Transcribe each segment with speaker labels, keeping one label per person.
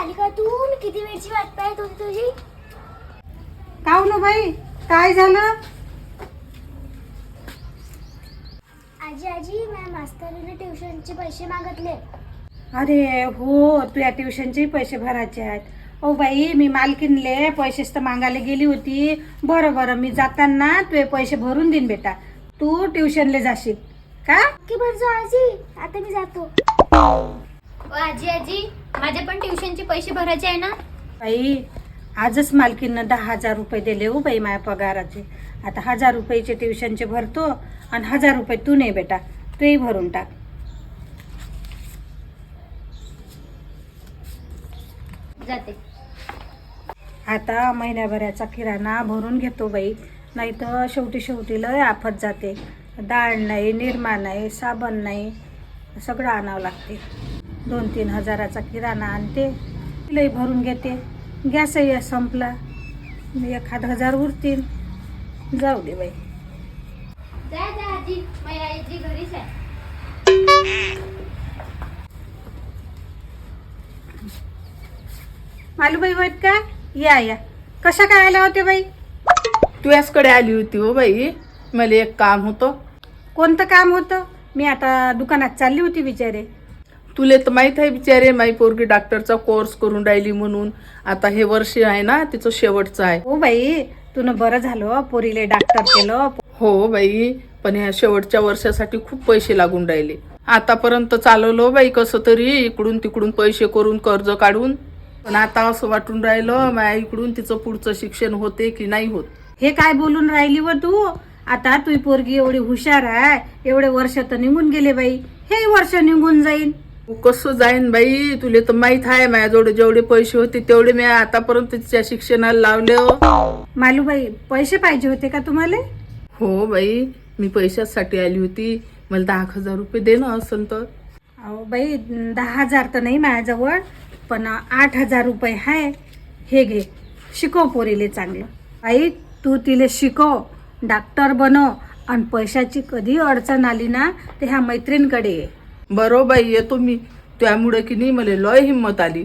Speaker 1: आली का तू? मी किती वेळची वाट पाहत होती तुझी.
Speaker 2: काऊ ना बाई, काय झालं?
Speaker 1: आजी आजी माझ्या मास्तरीने ट्युशनचे पैसे मागितले.
Speaker 2: अरे हो, तुझ्या ट्युशनचे पैसे भरायचे आहेत. ओ बाई, मी मालकीनले पैसेच तर मागायला गेली होती. बरं बरं, मी जाताना तुझे पैसे भरून देईन बेटा. तू ट्युशनला जाशील का?
Speaker 1: की भरजो आजी, आता मी जातो.
Speaker 3: आजी आजी माझे पण ट्युशनचे पैसे भरायचे आहे ना.
Speaker 2: बाई, आजच मालकीनं 10,000 रुपये दिले हो बाई माझ्या पगाराचे. आता 1,000 रुपयाचे ट्युशनचे भरतो आणि 1,000 रुपये तू नाही बेटा, तूही भरून टाक.
Speaker 3: जाते.
Speaker 2: आता महिन्याभराचा किराणा भरून घेतो बाई, नाही तर शेवटी लय आफत जाते. डाळ नाही, निरमा नाही, साबण नाही, सगळं आणावं लागते. 2-3 हजाराचा किराणा आणते, लई भरून घेते. गॅसही संपला, 1,000 उरतील. जाऊ दे बाई.
Speaker 3: जा जा आजी, माझी आजी घरीच आहे.
Speaker 2: मालूबाई होत का? या कशा काय आल्या होत्या बाई?
Speaker 4: तुझ्याचकडे आली होती हो बाई, मला एक काम होतं.
Speaker 2: कोणतं काम होतं? मी आता दुकानात चालली होती बिचारे.
Speaker 4: तुले तर माहीत आहे बिचारे, माई पोरगी डॉक्टरचा कोर्स करून राहिली म्हणून. आता हे वर्ष आहे ना तिचं शेवटचं आहे.
Speaker 2: हो बाई, तुनं बरं झालं पोरीले डॉक्टर केलं.
Speaker 4: हो बाई, पण ह्या शेवटच्या वर्षासाठी खूप पैसे लागून राहिले. आतापर्यंत चालवलो बाई कसं तरी, इकडून तिकडून पैसे करून कर्ज काढून. पण आता असं वाटून राहिलं माझ्या इकडून तिचं पुढचं शिक्षण होते की नाही होत.
Speaker 2: हे काय बोलून राहिली व तू? आता तुझी पोरगी एवढी हुशार आहे, एवढे वर्ष तर निघून गेले बाई, हे वर्ष निघून जाईन.
Speaker 4: कसं जाईन बाई, तुले तर माहित आहे माझ्याजवळ जेवढे पैसे होते तेवढे मी आतापर्यंत तिच्या शिक्षणाला लावले.
Speaker 2: मालूबाई, पैसे पाहिजे होते का तुम्हाला?
Speaker 4: हो बाई, मी पैशासाठी आली होती. मला 10,000 रुपये दे ना असं तर.
Speaker 2: अहो बाई, 10,000 तर नाही माझ्याजवळ, पण 8,000 रुपये आहे. हे घे, शिकव पोरीले चांगलं. आई, तू तिले शिकव, डॉक्टर बनव, आणि पैशाची कधी अडचण आली ना ते ह्या मैत्रिणीकडे ये.
Speaker 4: बरो बाई, येतो मी. त्यामुळे की नाही मला लय हिंमत आली.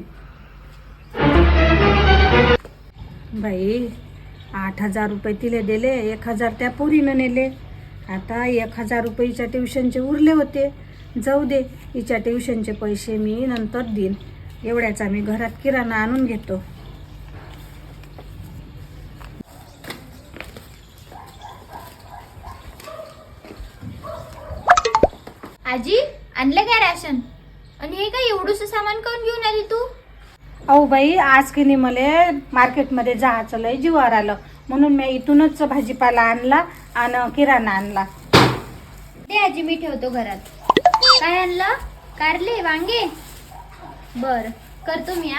Speaker 2: बाई, 8,000 रुपये तिले दिले, 1,000 त्या पोरीनं नेले. आता 1,000 रुपयेच्या ट्युशनचे उरले होते. जाऊ दे, हिच्या ट्युशनचे पैसे मी नंतर देईन. एवढ्याचा मी घरात किराणा आणून घेतो.
Speaker 3: आजी आणलं काय राशन? आणि हे काय एवढंसं सामान करून घेऊन आली तू?
Speaker 2: अहो बाई, आज की नाही मला मार्केटमध्ये जायचं लय जीवावर आलं, म्हणून मी इथूनच भाजीपाला आणला आणि किराणा आणला.
Speaker 3: ते आजी मी ठेवतो घरात. काय आणलं? कारले, वांगे? बर, करतो मी.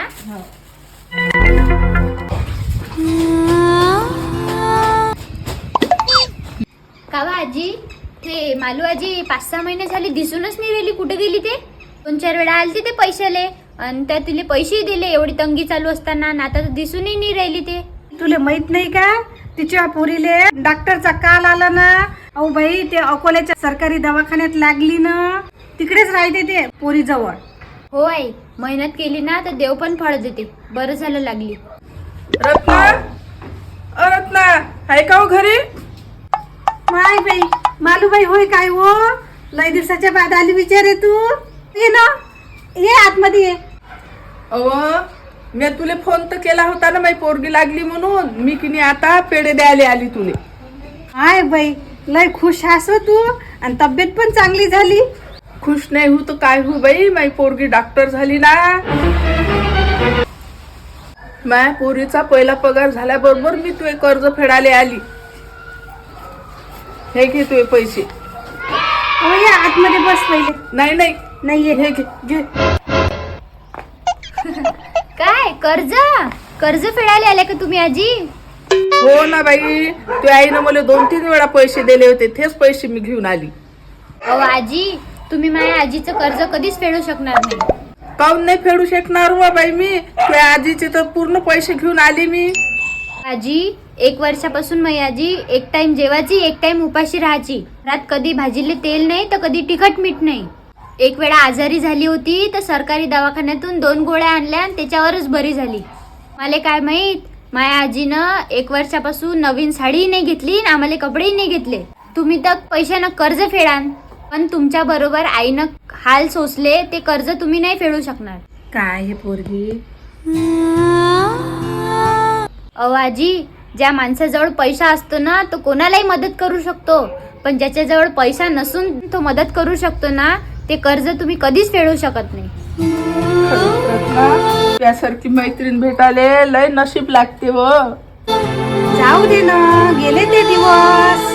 Speaker 3: कावा आजी, ते मालू आजी 5-6 महिने झाले दिसूनच नाही राहिली. कुठे गेली ते? 2-4 वेळा आलती ते पैशाले, आणि त्या तिले पैसेही दिले एवढी तंगी चालू असताना, आणि आता दिसूनही नाही राहिली ते.
Speaker 2: तुला माहित नाही का, तिच्या पोरीले डॉक्टरचा काल आला ना. अहो बाई, ते अकोल्याच्या सरकारी दवाखान्यात लागली ना, तिकडेच राहते ते पोरी जवळ.
Speaker 3: हो आई, मेहनत केली ना तर देव पण फळ देते. बरं झालं लागली.
Speaker 4: रत्ना, रत्ना आहे का हो घरी?
Speaker 2: माय बाई, मालूबाई होय काय हो? लय दिवसाच्या बाद आली विचारे तू. ये ना, ये आतमध्ये ये.
Speaker 4: अव, मी तुले फोन तर केला होता ना, माझी पोरगी लागली म्हणून. मी की नाही आता पेढे द्यायला आली तुले.
Speaker 2: हाय बाई, लय खुश हास हो तू, आणि तब्येत पण चांगली झाली.
Speaker 4: खुश नाही हो तर काय हो बाई, माझी पोरगी डॉक्टर झाली ना. माझ्या पोरीचा पहिला पगार झाल्याबरोबर मी तुझे कर्ज फेडायला आली. हे घे तुझे पैसे.
Speaker 2: हो, या आतमध्ये बस पहिले.
Speaker 4: नाही नाही
Speaker 2: नाही, ये
Speaker 4: हे घे.
Speaker 2: घे.
Speaker 3: काय कर्ज? कर्ज फेडायला आले का तुम्ही आजी?
Speaker 4: हो ना बाई, तुझ्या आईनं मला 2-3 वेळा पैसे दिले होते, तेच पैसे मी घेऊन आली.
Speaker 3: अहो आजी, तुम्ही माझ्या आजीचं कर्ज कधीच फेडू शकणार नाही.
Speaker 4: काऊन नाही फेडू शकणार व बाई मी? तुझ्या आजीचे तर पूर्ण पैसे घेऊन आली मी.
Speaker 3: आजी, 1 वर्षापासून माझी आजी एक टाइम जेवायची, एक टाइम उपाशी राहायची. रात कधी भाजीले तेल नाही तर कधी तिखट मीठ नाही. एक वेळा आजारी झाली होती तर सरकारी दवाखान्यातून 2 गोळ्या आणल्या आणि त्याच्यावरच बरी झाली. मला काय माहित, माझ्या आजीनं 1 वर्षापासून नवीन साडीही नाही घेतली आणि आम्हाला कपडेही नाही घेतले. तुम्ही तर पैशानं कर्ज फेडान, पण तुमच्या बरोबर आईनं हाल सोसले ते कर्ज तुम्ही नाही फेडू शकणार.
Speaker 2: काय हे पोरगी,
Speaker 3: अहो आजी, ज्या माणसाजवळ पैसा असतो ना तो कोणालाही मदत करू शकतो, पण ज्याच्याजवळ पैसा नसून तो मदत करू शकतो ना ते कर्ज तुम्ही कधीच फेडू शकत नाही.
Speaker 4: त्यासारखी मैत्रीण भेटाले लय नशीब लागते व.
Speaker 2: जाऊ दे ना, गेले ते दिवस.